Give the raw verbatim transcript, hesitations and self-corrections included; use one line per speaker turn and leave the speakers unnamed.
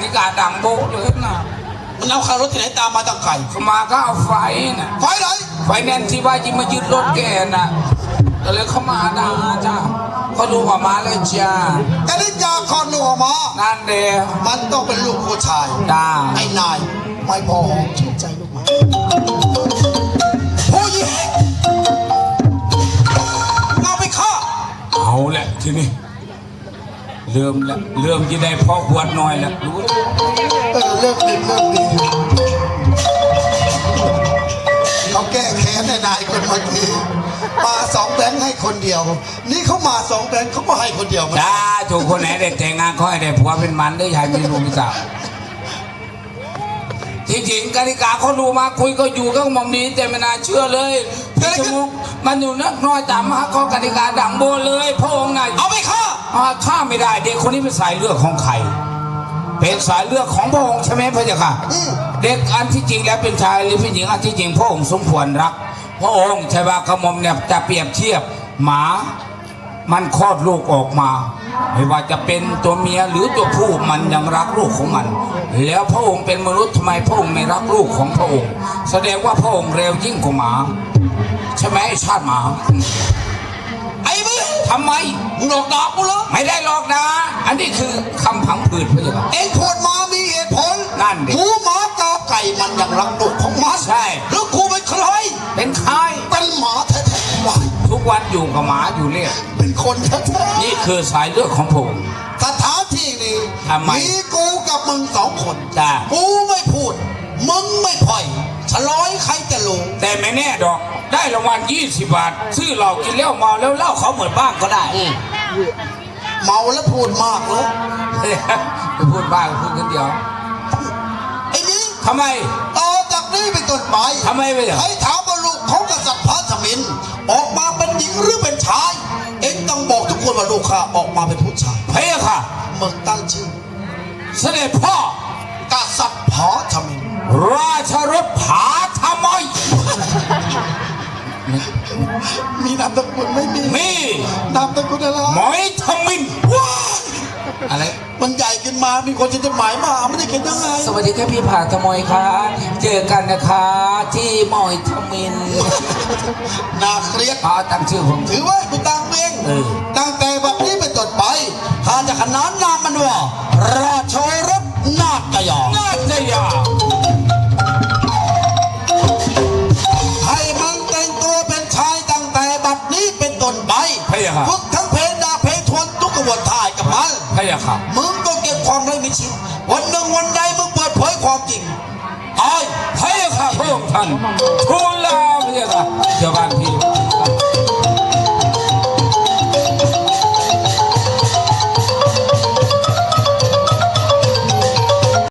นิกาดังโบกเลยนะ
มันเอาคารถที่ไหนตามมาตั้งไก่
เขามาก็เอาไฟน่ะ
ไฟไหน
ไฟแนนซ์ที่ว่าจะมายึดรถแกน่ะก็เลยเขามาด่าจ้าเขาดูว่ามาเลยจ้า
แต่นิยาคอนหัวมา
นั่นเดีย
มันต้องเป็นลูกผู้ชาย
ด่า
ไอ้นายไม่พอหอมชื่นใจลูกมาผู้หญิงเอาไปฆ่า
เอาแหละทีนี้เริ่มแล้วเริ่มจะได้พ่อขวดน้อยแล้วรู้
เออเริ่มดีเริ่มดีเขาแก้แค้นให้นายคนเมื่อกี้มาสองแบงค์ให้คนเดียวนี่เขามาสองแบงค์เขาก็ให้คนเดียว
จ้าถูกคนไหนได้แต่งงานเขาให้ได้ผัวเป็นมันได้ยายมีลูกมีสาวจริงๆกติกาเขาดูมาคุยก็อยู่ก็มองมีแต่ไม่น่าเชื่อเลยพี่จมุกมันอยู่นักน้อยตามมาข้อกติกาดังโบเลยพระองค์น่ะ
เอาไปฆ่า
ฆ่าไม่ได้เด็กคนนี้เป็นสายเลือดของใครเป็นสายเลือดของพระองค์ใช่ไหมพระเจ้าค่ะเด็กอันที่จริงแล้วเป็นชายหรือเป็นหญิงอันที่จริงพระองค์สมควรรักพระองค์ใช่ป่ะกระหม่อมเนี่ยจะเปรียบเทียบหมามันคลอดลูกออกมาไม่ว่าจะเป็นตัวเมียหรือตัวผู้มันยังรักลูกของมันแล้วพระองค์เป็นมนุษย์ทำไมพระองค์ไม่รักลูกของพระองค์แสดงว่าพระองค์เร็วยิ่งกว่าหมาใช่ไหมชาติหมาไอ้มึงทำไมมึงหลอกด่ากูเหรอไม่ได้หลอกด่าอันนี้คือคำผังผืดพระเจ้าค่ะ
เอ็งพูดมามีเหตุผล
นั่นดิ
หมูหมากาไก่มันยังรักลูกของมัน
ใช่
แล้วกูเป็นใคร
เป็นใคร
เป็นหมาแท้ๆวาย
ทุกวันอยู่กับหมาอยู่เรื่อย
เป็นคนแท้
ๆนี่คือสายเลือดของผม
สถานที่นี้มีกูกับมึงสองคน
จ้า
กูไม่พูดมึงไม่พ่อยฉลอยใครจะรู้
แต่ไม่แน่ดอกได้รางวัลยี่สิบบาทซื้อเหล้ากินเหล้าเมาแล้วเหล้าเขาเหมือนบ้างก็ได้
เมาแล้วพูดมากเลย
ไปพูดบ้างพูดคนเดียว
ไอ้นี่
ทำไม
ต่อจากนี้เป็นต้นไป
ทำไมไป
ให้ถามว่าลูกของกษัตริย์พระสมินออกมาเป็นหญิงหรือเป็นชายเอ็งต้องบอกทุกคนว่าลูกข้าออกมาเป็นผู้ชาย
เฮ้ยค่ะ
มึงตั้งชื่อ
เสด็จพ่
อกษัตริย์พระสมิน
ราชรถผาทำไม
มีนามตระกูลไม่มี
มี
นามตระกูลอะไร
หมอยทมินว้าอะไร
มันใหญ่ขึ้นมามีคนจะหมายมาไม่ได้เขียนยังไง
สวัสดีครับพี่ผาทมอยค่ะเจอกันนะคะที่หมอยทมิน
น่าเครียด
พาตั้งชื่อผม
ถือว่ากูตั้งเองตั้งแต่แบบนี้เป็นต้นไปข้าจะขนานนามมันว่าราชรถนาฏยา
นาฏยา
ให้มันแต่งตัวเป็นชายตั้งแต่บัดนี้เป็นต้นไปฝึกทั้งเพลงดาเพลงทวนทุกกระบวนท่ายกับมัน
พะยะค่ะ
มึงก็เก็บความไร้มิชิดวันหนึ่งวันใดมึงเปิดเผยความจริง
ตายพะยะค่ะพระองค์ท่านทูลลาพะยะค่ะเจ้าบ้านพี่